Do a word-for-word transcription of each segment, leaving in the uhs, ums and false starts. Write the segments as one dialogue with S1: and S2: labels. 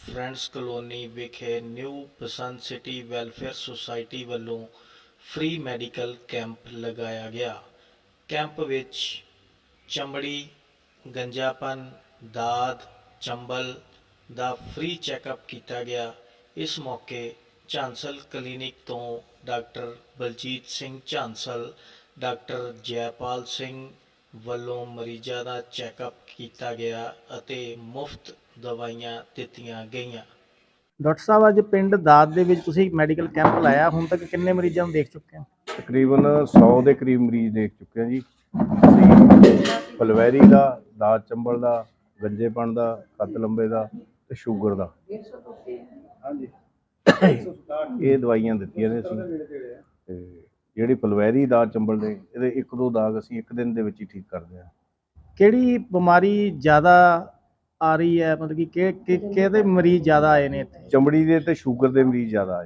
S1: Friends colony ਵਿਖੇ new Basant city welfare society ਵੱਲੋਂ free medical camp ਲਗਾਇਆ ਗਿਆ। ਕੈਂਪ ਵਿੱਚ ਚਮੜੀ, ਗੰਜਾਪਨ, ਦਾਦ, ਚੰਬਲ ਦਾ ਫ੍ਰੀ ਚੈੱਕਅਪ ਕੀਤਾ ਗਿਆ। ਇਸ ਮੌਕੇ ਝਾਂਸਲ ਕਲੀਨਿਕ ਤੋਂ ਡਾਕਟਰ ਬਲਜੀਤ ਸਿੰਘ ਝਾਂਸਲ, ਡਾਕਟਰ ਜੈਪਾਲ ਸਿੰਘ ਵੱਲੋਂ ਮਰੀਜ਼ਾਂ ਦਾ ਚੈੱਕਅਪ ਕੀਤਾ ਗਿਆ ਅਤੇ ਮੁਫਤ ਦਵਾਈਆਂ ਦਿੱਤੀਆਂ ਗਈਆਂ।
S2: ਡਾਕਟਰ ਸਾਹਿਬ, ਅੱਜ ਪਿੰਡ ਦਾਦ ਦੇ ਵਿੱਚ ਤੁਸੀਂ ਮੈਡੀਕਲ ਕੈਂਪ ਲਾਇਆ, ਹੁਣ ਤੱਕ ਕਿੰਨੇ ਮਰੀਜ਼ਾਂ ਨੂੰ ਦੇਖ ਚੁੱਕੇ ਹੋ?
S3: ਤਕਰੀਬਨ ਸੌ ਦੇ ਕਰੀਬ ਮਰੀਜ਼ ਦੇਖ ਚੁੱਕੇ ਹਾਂ ਜੀ। ਅਸੀਂ ਫਲਵੈਰੀ ਦਾ, ਦਾਦ ਚੰਬਲ ਦਾ, ਗੰਜੇਪਣ ਦਾ, ਕੱਦ ਲੰਬੇ ਦਾ ਤੇ ਸ਼ੂਗਰ ਦਾ ਹਾਂਜੀ ਇਹ ਦਵਾਈਆਂ ਦਿੱਤੀਆਂ ਨੇ ਅਸੀਂ। ਤੇ ਜਿਹੜੀ ਫਲਵੈਰੀ ਦਾਦ ਚੰਬਲ ਦੇ ਇਹਦੇ ਇੱਕ ਦੋ ਦਾਗ ਅਸੀਂ ਇੱਕ ਦਿਨ ਦੇ ਵਿੱਚ ਹੀ ਠੀਕ ਕਰਦੇ ਹਾਂ।
S2: ਕਿਹੜੀ ਬਿਮਾਰੀ ਜ਼ਿਆਦਾ ਆ ਰਹੀ ਹੈ, ਮਤਲਬ ਕਿ ਕਿ ਕਿਹਦੇ ਮਰੀਜ਼ ਜ਼ਿਆਦਾ ਆਏ ਨੇ ਇੱਥੇ?
S3: ਚਮੜੀ ਦੇ ਤੇ ਸ਼ੂਗਰ ਦੇ ਮਰੀਜ਼ ਜ਼ਿਆਦਾ ਆ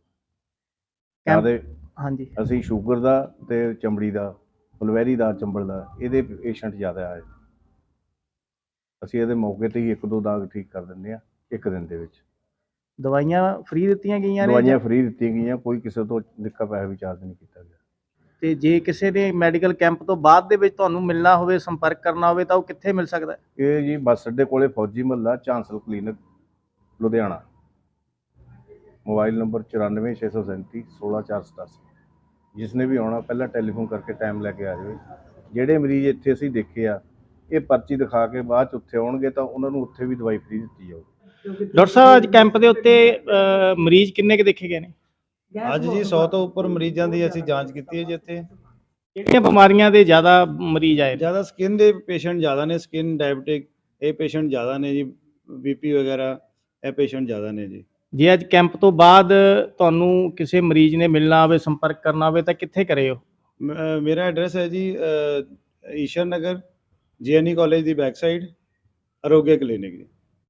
S3: ਜਾਂਦੇ ਨੇ।
S2: ਹਾਂਜੀ,
S3: ਅਸੀਂ ਸ਼ੂਗਰ ਦਾ ਤੇ ਚਮੜੀ ਦਾ, ਫਲਵੈਰੀ ਦਾ, ਚੰਬਲ ਦਾ ਇਹਦੇ ਪੇਸ਼ੈਂਟ ਜ਼ਿਆਦਾ ਆਏ। ਅਸੀਂ ਇਹਦੇ ਮੌਕੇ ਤੇ ਹੀ ਇੱਕ ਦੋ ਦਾਗ ਠੀਕ ਕਰ ਦਿੰਦੇ ਹਾਂ ਇੱਕ ਦਿਨ ਦੇ ਵਿੱਚ।
S2: ਦਵਾਈਆਂ ਫ੍ਰੀ ਦਿੱਤੀਆਂ ਗਈਆਂ ਨੇ?
S3: ਦਵਾਈਆਂ ਫ੍ਰੀ ਦਿੱਤੀਆਂ ਗਈਆਂ, ਕੋਈ ਕਿਸੇ ਤੋਂ ਨਿੱਕਾ ਪੈਸਾ ਵੀ ਚਾਰਜ ਨਹੀਂ ਕੀਤਾ ਗਿਆ।
S2: ਤੇ ਜੇ ਕਿਸੇ ਨੇ ਮੈਡੀਕਲ ਕੈਂਪ ਤੋਂ ਬਾਅਦ ਦੇ ਵਿੱਚ ਤੁਹਾਨੂੰ ਮਿਲਣਾ ਹੋਵੇ, ਸੰਪਰਕ ਕਰਨਾ ਹੋਵੇ ਤਾਂ ਉਹ ਕਿੱਥੇ ਮਿਲ ਸਕਦਾ ਹੈ?
S3: ਇਹ ਜੀ ਬੱਸ ਅੱਡੇ ਕੋਲੇ ਫੌਜੀ ਮਹੱਲਾ, Jhansal clinic, Ludhiana. Mobile number ਚੁਰਾਨਵੇਂ ਛੇ ਸੌ ਸੈਂਤੀ ਸੋਲਾਂ ਚਾਰ ਸਤਾਸੀ। ਜਿਸ ਨੇ ਵੀ ਆਉਣਾ ਪਹਿਲਾਂ ਟੈਲੀਫੋਨ ਕਰਕੇ ਟਾਈਮ ਲੈ ਕੇ ਆ ਜਾਵੇ। ਜਿਹੜੇ ਮਰੀਜ਼ ਇੱਥੇ ਅਸੀਂ ਦੇਖੇ ਆ, ਇਹ ਪਰਚੀ ਦਿਖਾ ਕੇ ਬਾਅਦ 'ਚ ਉੱਥੇ ਆਉਣਗੇ ਤਾਂ ਉਹਨਾਂ ਨੂੰ ਉੱਥੇ ਵੀ ਦਵਾਈ ਫ੍ਰੀ ਦਿੱਤੀ ਜਾਊਗੀ।
S2: ਡਾਕਟਰ ਸਾਹਿਬ, ਅੱਜ ਕੈਂਪ ਦੇ ਉੱਤੇ ਅ, ਮਰੀਜ਼ ਕਿੰਨੇ ਕੁ ਦੇਖੇ ਗਏ ਨੇ?
S4: ਅੱਜ ਜੀ ਸੌ ਤੋਂ ਉੱਪਰ ਮਰੀਜ਼ਾਂ ਦੀ ਅਸੀਂ ਜਾਂਚ ਕੀਤੀ ਹੈ ਜੀ। ਇੱਥੇ
S2: ਕਿਹੜੀਆਂ ਬਿਮਾਰੀਆਂ ਦੇ ਜ਼ਿਆਦਾ ਮਰੀਜ਼ ਆਏ ਨੇ?
S4: ਜ਼ਿਆਦਾ ਸਕਿਨ ਦੇ ਪੇਸ਼ੈਂਟ ਜ਼ਿਆਦਾ ਨੇ, ਸਕਿਨ ਡਾਇਬਟਿਕ ਇਹ ਪੇਸ਼ੈਂਟ ਜ਼ਿਆਦਾ ਨੇ ਜੀ, ਬੀਪੀ ਵਗੈਰਾ ਇਹ ਪੇਸ਼ੈਂਟ ਜ਼ਿਆਦਾ ਨੇ ਜੀ।
S2: ਜੇ ਅੱਜ ਕੈਂਪ ਤੋਂ ਬਾਅਦ ਤੁਹਾਨੂੰ ਕਿਸੇ ਮਰੀਜ਼ ਨੇ ਮਿਲਣਾ ਹੋਵੇ, ਸੰਪਰਕ ਕਰਨਾ ਹੋਵੇ ਤਾਂ ਕਿੱਥੇ ਕਰੇ ਹੋ?
S4: ਮ- ਮੇਰਾ ਐਡਰੈਸ ਹੈ ਜੀ ਅ, Ishar Nagar, G N E college ਦੀ ਬੈਕ ਸਾਈਡ, ਅਰੋਗਿਆ ਕਲੀਨਿਕ ਜੀ।